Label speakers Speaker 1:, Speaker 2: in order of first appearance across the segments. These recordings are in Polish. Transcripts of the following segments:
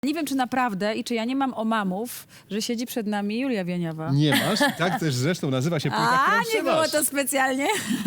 Speaker 1: Nie wiem, czy naprawdę i czy ja nie mam omamów, że siedzi przed nami Julia Wieniawa.
Speaker 2: Nie masz? Tak też zresztą nazywa się płyta,
Speaker 1: A,
Speaker 2: którą
Speaker 1: nie było
Speaker 2: trzymasz.
Speaker 1: to specjalnie.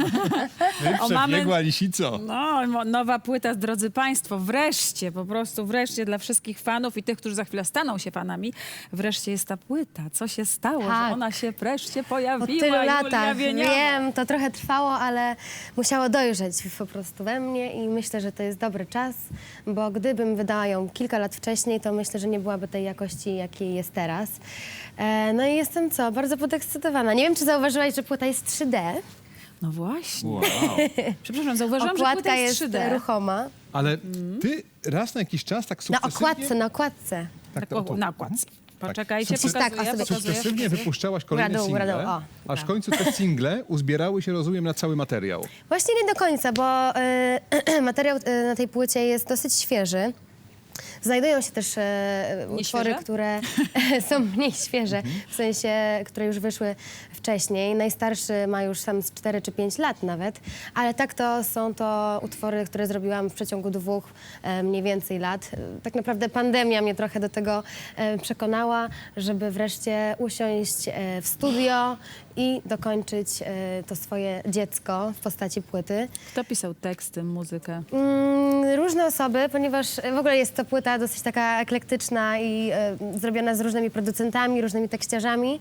Speaker 1: Omamy-
Speaker 2: Przebiegła lisico.
Speaker 1: No, nowa płyta, drodzy Państwo, wreszcie, po prostu wreszcie dla wszystkich fanów i tych, którzy za chwilę staną się fanami, wreszcie jest ta płyta. Co się stało,
Speaker 3: Tak.
Speaker 1: że ona się wreszcie
Speaker 3: Po
Speaker 1: pojawiła,
Speaker 3: tylu
Speaker 1: Julia
Speaker 3: latach,
Speaker 1: Wieniawa.
Speaker 3: wiem, to trochę trwało, ale musiało dojrzeć po prostu we mnie i myślę, że to jest dobry czas, bo gdybym wydała ją kilka lat wcześniej, to myślę, że nie byłaby tej jakości, jakiej jest teraz. No i jestem bardzo podekscytowana. Nie wiem, czy zauważyłaś, że płyta jest 3D.
Speaker 1: No właśnie.
Speaker 2: Wow.
Speaker 1: Przepraszam, zauważyłam, że
Speaker 3: Okładka
Speaker 1: płyta
Speaker 3: jest
Speaker 1: jest 3D.
Speaker 3: ruchoma.
Speaker 2: Ale ty raz na jakiś czas tak
Speaker 3: Na
Speaker 2: sukcesywnie...
Speaker 3: okładce.
Speaker 2: Tak,
Speaker 1: Na okładce. Poczekajcie,
Speaker 2: Sukces-
Speaker 3: tak,
Speaker 1: pokazuję,
Speaker 3: a sobie
Speaker 1: pokazuję.
Speaker 2: Sukcesywnie wypuszczałaś kolejne
Speaker 3: Góra-dół,
Speaker 2: single,
Speaker 3: góra-dół, o,
Speaker 2: aż w
Speaker 3: tak.
Speaker 2: końcu te single uzbierały się, rozumiem, na cały materiał.
Speaker 3: Właśnie nie do końca, bo materiał na tej płycie jest dosyć świeży. Znajdują się też utwory,
Speaker 1: Nieświeże?
Speaker 3: które są mniej świeże, w sensie, które już wyszły wcześniej. Najstarszy ma już tam z 4 czy 5 lat nawet, ale tak to są to utwory, które zrobiłam w przeciągu 2 mniej więcej lat. Tak naprawdę pandemia mnie trochę do tego przekonała, żeby wreszcie usiąść w studio i dokończyć to swoje dziecko w postaci płyty.
Speaker 1: Kto pisał teksty, muzykę?
Speaker 3: Różne osoby, ponieważ w ogóle jest to płyta dosyć taka eklektyczna i zrobiona z różnymi producentami, różnymi tekściarzami.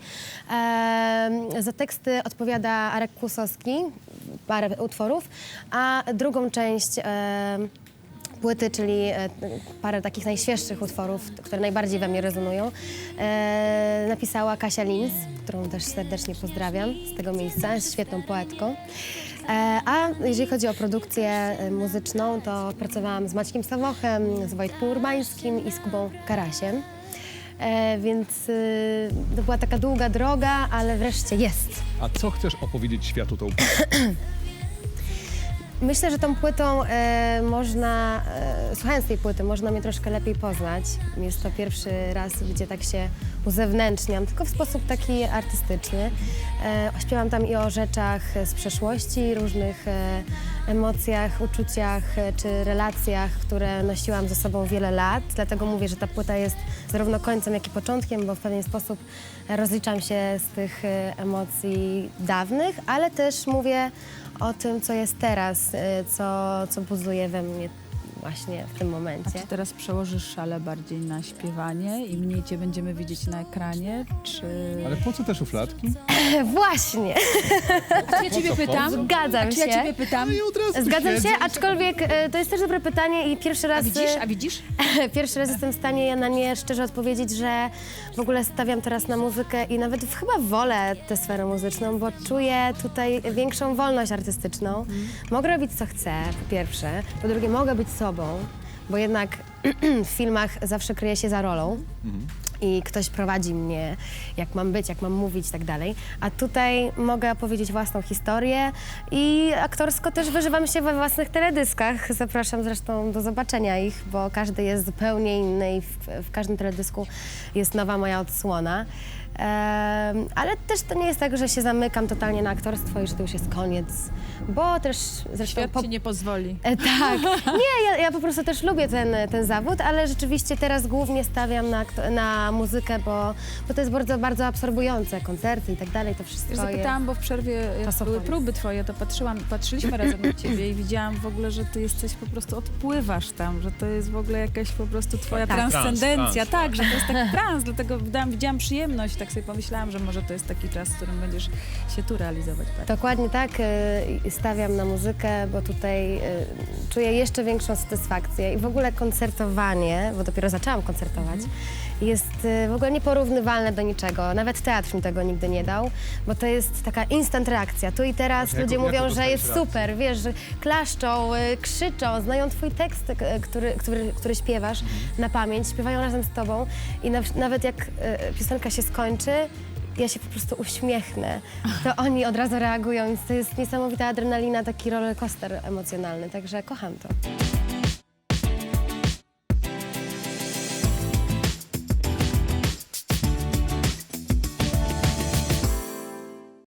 Speaker 3: Za teksty odpowiada Arek Kłusowski, parę utworów, a drugą część płyty, czyli parę takich najświeższych utworów, które najbardziej we mnie rezonują, napisała Kasia Lins, którą też serdecznie pozdrawiam z tego miejsca, jest świetną poetką. A jeżeli chodzi o produkcję muzyczną, to pracowałam z Maćkiem Sawochem, z Wojtkiem Urbańskim i z Kubą Karasiem. Więc to była taka długa droga, ale wreszcie jest.
Speaker 2: A co chcesz opowiedzieć światu tą płytą?
Speaker 3: Myślę, że tą płytą słuchając tej płyty, można mnie troszkę lepiej poznać. Jest to pierwszy raz, gdzie tak się uzewnętrzniam, tylko w sposób taki artystyczny. Śpiewam tam i o rzeczach z przeszłości, różnych emocjach, uczuciach czy relacjach, które nosiłam ze sobą wiele lat. Dlatego mówię, że ta płyta jest zarówno końcem, jak i początkiem, bo w pewien sposób rozliczam się z tych emocji dawnych, ale też mówię o tym, co jest teraz, co buzuje we mnie właśnie w tym
Speaker 1: A
Speaker 3: momencie.
Speaker 1: czy teraz przełożysz szale bardziej na śpiewanie i mniej cię będziemy widzieć na ekranie, czy...
Speaker 2: Ale po co te szufladki?
Speaker 3: Właśnie,
Speaker 1: Ja ciebie pytam.
Speaker 3: zgadzam
Speaker 1: Czy ja
Speaker 3: się.
Speaker 1: ciebie pytam?
Speaker 2: No i od razu
Speaker 3: Zgadzam
Speaker 2: siedzę
Speaker 3: się,
Speaker 2: i
Speaker 3: aczkolwiek to jest też dobre pytanie i pierwszy raz...
Speaker 1: A widzisz?
Speaker 3: Pierwszy raz jestem w stanie na nie szczerze odpowiedzieć, że w ogóle stawiam teraz na muzykę i nawet chyba wolę tę sferę muzyczną, bo czuję tutaj większą wolność artystyczną. Mogę robić co chcę, po pierwsze. Po drugie, mogę być sobą, bo jednak w filmach zawsze kryję się za rolą. I ktoś prowadzi mnie, jak mam być, jak mam mówić i tak dalej. A tutaj mogę opowiedzieć własną historię i aktorsko też wyżywam się we własnych teledyskach. Zapraszam zresztą do zobaczenia ich, bo każdy jest zupełnie inny i w każdym teledysku jest nowa moja odsłona. Ale też to nie jest tak, że się zamykam totalnie na aktorstwo i że to już jest koniec, bo też zresztą...
Speaker 1: Świat ci nie pozwoli.
Speaker 3: Tak. Nie, ja po prostu też lubię ten zawód, ale rzeczywiście teraz głównie stawiam na muzykę, bo to jest bardzo, bardzo absorbujące, koncerty i tak dalej, to wszystko
Speaker 1: Wiesz,
Speaker 3: jest...
Speaker 1: zapytałam, bo w przerwie, jak były
Speaker 3: Czasochłonne.
Speaker 1: próby twoje, to patrzyliśmy razem na ciebie i widziałam w ogóle, że ty jesteś po prostu, odpływasz tam, że to jest w ogóle jakaś po prostu twoja
Speaker 3: Tak.
Speaker 1: transcendencja.
Speaker 2: Trans,
Speaker 1: Tak, że to jest taki trans, dlatego widziałam przyjemność, tak sobie pomyślałam, że może to jest taki czas, w którym będziesz się tu realizować.
Speaker 3: Dokładnie tak, stawiam na muzykę, bo tutaj czuję jeszcze większą satysfakcję i w ogóle koncertowanie, bo dopiero zaczęłam koncertować, jest w ogóle nieporównywalne do niczego. Nawet teatr mi tego nigdy nie dał, bo to jest taka instant reakcja. Tu i teraz ludzie
Speaker 2: jaką
Speaker 3: mówią, że
Speaker 2: dostajesz
Speaker 3: jest
Speaker 2: reakcję?
Speaker 3: super, wiesz, że klaszczą, krzyczą, znają twój tekst, który śpiewasz na pamięć, śpiewają razem z tobą i nawet jak piosenka się skończy, ja się po prostu uśmiechnę, to oni od razu reagują, więc to jest niesamowita adrenalina, taki rollercoaster emocjonalny, także kocham to.